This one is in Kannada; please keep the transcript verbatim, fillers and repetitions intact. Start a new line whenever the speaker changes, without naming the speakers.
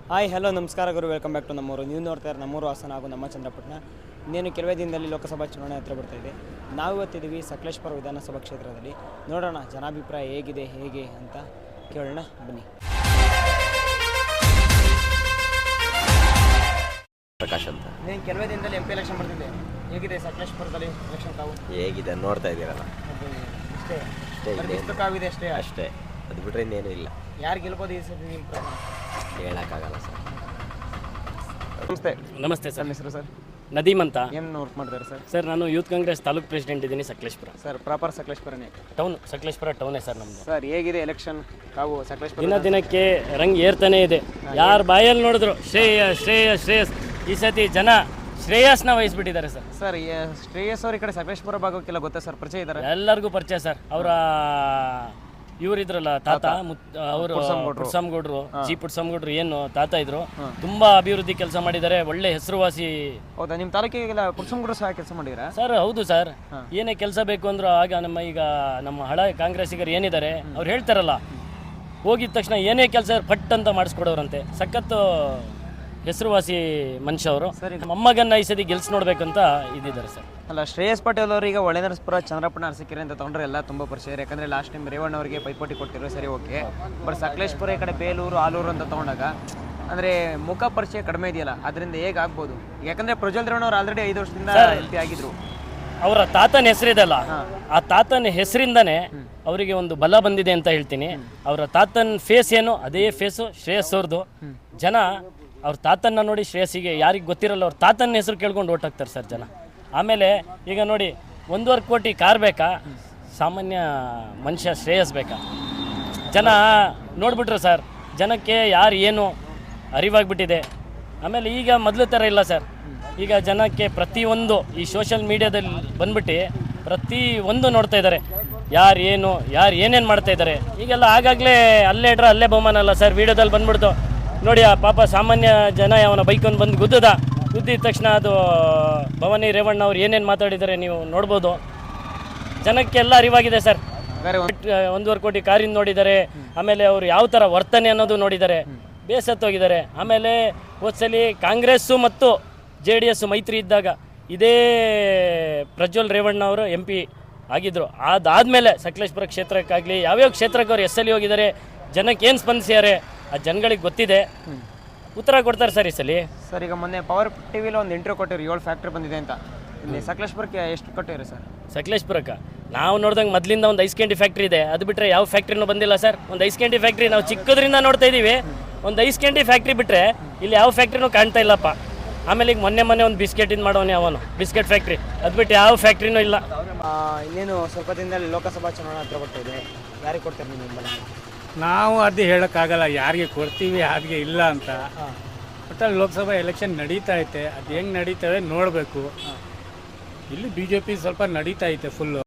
ಹಾಯ್ ಹಲೋ ನಮಸ್ಕಾರ ಗುರು, ವೆಲ್ಕಮ್ ಬ್ಯಾಕ್ ಟು ನಮ್ಮೂರು. ನೀವು ನೋಡ್ತಾ ಇರೋ ನಮ್ಮೂರು ಹಾಸನ ಹಾಗೂ ನಮ್ಮ ಚಂದ್ರಪಟ್ಟಣ. ಇನ್ನೇನು ಕೆಲವೇ ದಿನದಲ್ಲಿ ಲೋಕಸಭಾ ಚುನಾವಣೆ ಹತ್ರ ಬರ್ತಾ ಇದೆ. ನಾವು ಇವತ್ತಿದ್ದೀವಿ ಸಕಲೇಶಪುರ ವಿಧಾನಸಭಾ ಕ್ಷೇತ್ರದಲ್ಲಿ. ನೋಡೋಣ ಜನಾಭಿಪ್ರಾಯ ಹೇಗಿದೆ ಹೇಗೆ ಅಂತ ಕೇಳೋಣ ಬನ್ನಿ.
ಪ್ರಕಾಶ್ ಅಂತ.
ನೀನು ಕೆಲವೇ ದಿನದಲ್ಲಿ ಎಂ ಪಿ ಎಲೆಕ್ಷನ್ ಬರ್ತಿದ್ದೆ, ಹೇಗಿದೆ ಸಕಲೇಶಪುರದಲ್ಲಿ ಎಲೆಕ್ಷನ್ ತಾವು?
ಹೇಗಿದೆ ನೋಡ್ತಾ ಇದ್ದೀರಲ್ಲ,
ಅಷ್ಟೇ
ಅಷ್ಟೇ
ಕಾವಿದೆ ಅಷ್ಟೇ
ಅಷ್ಟೇ ಅದು ಬಿಟ್ಟರೆ ಇನ್ನೇನು ಇಲ್ಲ.
ಯಾರು ಗೆಲ್ಬೋದು ಈ ಸತಿ ನಿಮ್ಮ ಪ್ರಕಾರ?
ಹೇಳೋಕ್ಕಾಗಲ್ಲ ಸರ್.
ನಮಸ್ತೆ.
ನಮಸ್ತೆ ಸರ್.
ನನ್ನ ಹೆಸರು ಸರ್
ನದೀಮ್ ಅಂತ.
ಏನು ವರ್ಕ್ ಮಾಡ್ತಾರೆ ಸರ್?
ಸರ್ ನಾನು ಯೂತ್ ಕಾಂಗ್ರೆಸ್ ತಾಲೂಕು ಪ್ರೆಸಿಡೆಂಟ್ ಇದ್ದೀನಿ ಸಕಲೇಶಪುರ.
ಸರ್ ಪ್ರಾಪರ್ ಸಕಲೇಶಪುರನೇ
ಟೌನ್, ಸಕಲೇಶಪುರ ಟೌನೇ ಸರ್ ನಮ್ಮದು.
ಸರ್ ಹೇಗಿದೆ ಎಲೆಕ್ಷನ್ ತಾವು ಸಕಲೇಶಪುರ?
ದಿನ ದಿನಕ್ಕೆ ರಂಗ್ ಏರ್ತಾನೆ ಇದೆ. ಯಾರು ಬಾಯಲ್ಲಿ ನೋಡಿದ್ರು ಶ್ರೇಯ ಶ್ರೇಯ ಶ್ರೇಯಸ್. ಈ ಸತಿ ಜನ ಶ್ರೇಯಸ್ನ ವಹಿಸ್ಬಿಟ್ಟಿದ್ದಾರೆ ಸರ್.
ಸರ್ ಶ್ರೇಯಸ್ ಅವ್ರ ಈ ಕಡೆ ಸಕಲೇಶಪುರ ಭಾಗಕ್ಕೆಲ್ಲ ಗೊತ್ತಾ ಸರ್? ಪರಿಚಯ ಇದ್ದಾರೆ?
ಎಲ್ಲರಿಗೂ ಪರಿಚಯ ಸರ್. ಅವರ ಇವರಿದ್ರಲ್ಲ ತಾತ, ಅವರು ಪುಟ್ಸಮ್ಗೌಡ್ರು, ಜಿ ಪುಟ್ಸಮ್ಗೌಡ್ರು ಏನು ತಾತ ಇದ್ರು, ತುಂಬಾ ಅಭಿವೃದ್ಧಿ ಕೆಲಸ ಮಾಡಿದ್ದಾರೆ. ಒಳ್ಳೆ ಹೆಸರುವಾಸಿ.
ಹೌದಾ? ನಿಮ್ಮ ತಾಲೂಕಿಗೆಲ್ಲ ಪುಟ್ಸಮ್ಗೌಡ್ರು ಸಹ ಕೆಲಸ ಮಾಡಿದ್ದೀರಾ
ಸರ್? ಹೌದು ಸರ್. ಏನೇ ಕೆಲಸ ಬೇಕು ಅಂದ್ರು ಆಗ ನಮ್ಮ ಈಗ ನಮ್ಮ ಹಳ ಕಾಂಗ್ರೆಸ್ಸಿಗರು ಏನಿದ್ದಾರೆ ಅವ್ರು ಹೇಳ್ತಾರಲ್ಲ, ಹೋಗಿದ ತಕ್ಷಣ ಏನೇ ಕೆಲಸ ಪಟ್ ಅಂತ ಮಾಡಿಸ್ಕೊಡೋರಂತೆ. ಸಖತ್ತು ಹೆಸರುವಾಸಿ ಮನುಷ್ಯ ಅವರು. ಮೊಮ್ಮಗನ್ನ ಈ ಸತಿ ಗೆಲ್ಸಿ ನೋಡ್ಬೇಕಂತ ಇದ್ದಿದ್ದಾರೆ ಸರ್.
ಅಲ್ಲ, ಶ್ರೇಯಸ್ ಪಾಟೀಲ್ ಅವರೀಗ ಒಳ್ಳೆನರಸಪುರ, ಚಂದ್ರಪಟ್ಟಣ, ಅರಸೀಕೆರೆ ಅಂತ ತೊಗೊಂಡ್ರೆ ಎಲ್ಲ ತುಂಬ ಪರಿಚಯ. ಯಾಕಂದರೆ ಲಾಸ್ಟ್ ಟೈಮ್ ರೇವಣ್ಣ ಅವರಿಗೆ ಪೈಪೋಟಿ ಕೊಟ್ಟಿರೋ, ಸರಿ ಓಕೆ. ಬಟ್ ಸಕಲೇಶಪುರ ಈ ಕಡೆ ಬೇಲೂರು, ಆಲೂರು ಅಂತ ತೊಗೊಂಡಾಗ ಅಂದರೆ ಮುಖ ಪರಿಚಯ ಕಡಿಮೆ ಇದೆಯಲ್ಲ, ಅದರಿಂದ ಹೇಗೆ ಆಗ್ಬೋದು? ಯಾಕಂದರೆ ಪ್ರಜ್ವಲ್ ರೇವಣ್ಣ ಅವರು ಆಲ್ರೆಡಿ ಐದು ವರ್ಷದಿಂದ ಎಂ ಪಿ ಆಗಿದ್ರು.
ಅವರ ತಾತನ ಹೆಸರಿದೆಲ್ಲ, ಆ ತಾತನ ಹೆಸರಿಂದನೇ ಅವರಿಗೆ ಒಂದು ಬಲ ಬಂದಿದೆ ಅಂತ ಹೇಳ್ತೀನಿ. ಅವರ ತಾತನ ಫೇಸ್ ಏನು, ಅದೇ ಫೇಸು ಶ್ರೇಯಸ್ ಅವ್ರದ್ದು. ಜನ ಅವ್ರ ತಾತನ್ನ ನೋಡಿ ಶ್ರೇಯಸ್ಸಿಗೆ ಯಾರಿಗೆ ಗೊತ್ತಿರಲ್ಲ, ಅವ್ರ ತಾತನ ಹೆಸರು ಕೇಳ್ಕೊಂಡು ಓಟ್ ಹಾಕ್ತಾರೆ ಸರ್ ಜನ. ಆಮೇಲೆ ಈಗ ನೋಡಿ, ಒಂದೂವರೆ ಕೋಟಿ ಕಾರ್ ಬೇಕಾ, ಸಾಮಾನ್ಯ ಮನುಷ್ಯ ಶ್ರೇಯಸ್ ಬೇಕಾ? ಜನ ನೋಡ್ಬಿಟ್ರು ಸರ್. ಜನಕ್ಕೆ ಯಾರು ಏನು ಅರಿವಾಗ್ಬಿಟ್ಟಿದೆ. ಆಮೇಲೆ ಈಗ ಮೊದಲು ಥರ ಇಲ್ಲ ಸರ್. ಈಗ ಜನಕ್ಕೆ ಪ್ರತಿಯೊಂದು ಈ ಸೋಷಿಯಲ್ ಮೀಡಿಯಾದಲ್ಲಿ ಬಂದ್ಬಿಟ್ಟು ಪ್ರತಿ ಒಂದು ನೋಡ್ತಾ ಇದ್ದಾರೆ, ಯಾರು ಏನು, ಯಾರು ಏನೇನು ಮಾಡ್ತಾ ಇದ್ದಾರೆ. ಈಗೆಲ್ಲ ಆಗಾಗಲೇ ಅಲ್ಲೇ ಇಡ್ರೆ ಅಲ್ಲೇ ಬಹುಮಾನ ಅಲ್ಲ ಸರ್. ವೀಡಿಯೋದಲ್ಲಿ ಬಂದ್ಬಿಡ್ತು ನೋಡಿ, ಆ ಪಾಪ ಸಾಮಾನ್ಯ ಜನ ಅವನ ಬೈಕೊಂಡು ಬಂದು ಗುದ್ದದ ಗುದ್ದಿದ ತಕ್ಷಣ ಅದು ಭವಾನಿ ರೇವಣ್ಣ ಅವ್ರು ಏನೇನು ಮಾತಾಡಿದ್ದಾರೆ ನೀವು ನೋಡ್ಬೋದು. ಜನಕ್ಕೆಲ್ಲ ಅರಿವಾಗಿದೆ ಸರ್. ಒಂದೂವರೆ ಕೋಟಿ ಕಾರಿಂದ ನೋಡಿದ್ದಾರೆ. ಆಮೇಲೆ ಅವರು ಯಾವ ಥರ ವರ್ತನೆ ಅನ್ನೋದು ನೋಡಿದ್ದಾರೆ, ಬೇಸತ್ತೋಗಿದ್ದಾರೆ. ಆಮೇಲೆ ಹೋದ್ಸಲಿ ಕಾಂಗ್ರೆಸ್ಸು ಮತ್ತು ಜೆ ಡಿ ಎಸ್ ಮೈತ್ರಿ ಇದ್ದಾಗ ಇದೇ ಪ್ರಜ್ವಲ್ ರೇವಣ್ಣ ಅವರು ಎಂ ಪಿ ಆಗಿದ್ದರು. ಅದಾದಮೇಲೆ ಸಕಲೇಶಪುರ ಕ್ಷೇತ್ರಕ್ಕಾಗಲಿ ಯಾವ್ಯಾವ ಕ್ಷೇತ್ರಕ್ಕೆ ಅವ್ರು ಎಸ್ ಎಲ್ ಹೋಗಿದ್ದಾರೆ, ಜನಕ್ಕೆ ಏನು ಸ್ಪಂದಿಸಿದ್ದಾರೆ ಆ ಜನಗಳಿಗೆ ಗೊತ್ತಿದೆ. ಉತ್ತರ ಕೊಡ್ತಾರೆ ಸರ್ ಈ ಸಲ.
ಸರ್ ಈಗ ಮೊನ್ನೆ ಪವರ್ ಟಿವಿಲಿ ಒಂದು ಇಂಟರ್ವ್ಯೂ ಕೊಟ್ಟಿರಿ, ಏಳು ಫ್ಯಾಕ್ಟ್ರಿ ಬಂದಿದೆ ಅಂತ. ಇಲ್ಲಿ ಸಕಲೇಶಪುರಕ್ಕೆ ಎಷ್ಟು ಕೊಟ್ಟಿರಿ ಸರ್?
ಸಕಲೇಶಪುರಕ್ಕೆ ನಾವು ನೋಡ್ದಂಗೆ ಮೊದಲಿಂದ ಒಂದು ಐಸ್ ಕ್ಯಾಂಡಿ ಫ್ಯಾಕ್ಟ್ರಿ ಇದೆ, ಅದು ಬಿಟ್ಟರೆ ಯಾವ ಫ್ಯಾಕ್ಟ್ರಿನೂ ಬಂದಿಲ್ಲ ಸರ್. ಒಂದು ಐಸ್ ಕ್ಯಾಂಡಿ ಫ್ಯಾಕ್ಟ್ರಿ ನಾವು ಚಿಕ್ಕದ್ರಿಂದ ನೋಡ್ತಾ ಇದ್ದೀವಿ. ಒಂದು ಐಸ್ ಕ್ಯಾಂಡಿ ಫ್ಯಾಕ್ಟ್ರಿ ಬಿಟ್ಟರೆ ಇಲ್ಲಿ ಯಾವ ಫ್ಯಾಕ್ಟ್ರಿನೂ ಕಾಣ್ತಾ ಇಲ್ಲಪ್ಪ. ಆಮೇಲೆ ಈಗ ಮೊನ್ನೆ ಮೊನ್ನೆ ಒಂದು ಬಿಸ್ಕೆಟಿಂದ ಮಾಡೋನು ಅವನು ಬಿಸ್ಕೆಟ್ ಫ್ಯಾಕ್ಟ್ರಿ, ಅದು ಬಿಟ್ಟು ಯಾವ ಫ್ಯಾಕ್ಟ್ರಿನೂ ಇಲ್ಲ.
ಇನ್ನೇನು ಸ್ವಲ್ಪ ದಿನದಲ್ಲಿ ಲೋಕಸಭಾ ಚುನಾವಣೆ ಹತ್ರ ಬರ್ತಾ ಇದೆ. ಯಾರಿಗೆ ಕೊಡ್ತಾರೆ ನೀವು ಬೆಂಬಲ?
ನಾವು ಅದು ಹೇಳೋಕ್ಕಾಗಲ್ಲ ಯಾರಿಗೆ ಕೊಡ್ತೀವಿ ಯಾರಿಗೆ ಇಲ್ಲ ಅಂತ. ಒಟ್ಟಲ್ಲಿ ಲೋಕಸಭಾ ಎಲೆಕ್ಷನ್ ನಡೀತಾ ಐತೆ, ಅದು ಹೆಂಗೆ ನಡೀತವೆ ನೋಡಬೇಕು. ಇಲ್ಲಿ ಬಿ ಜೆ ಪಿ ಸ್ವಲ್ಪ ನಡೀತಾ ಐತೆ ಫುಲ್ಲು.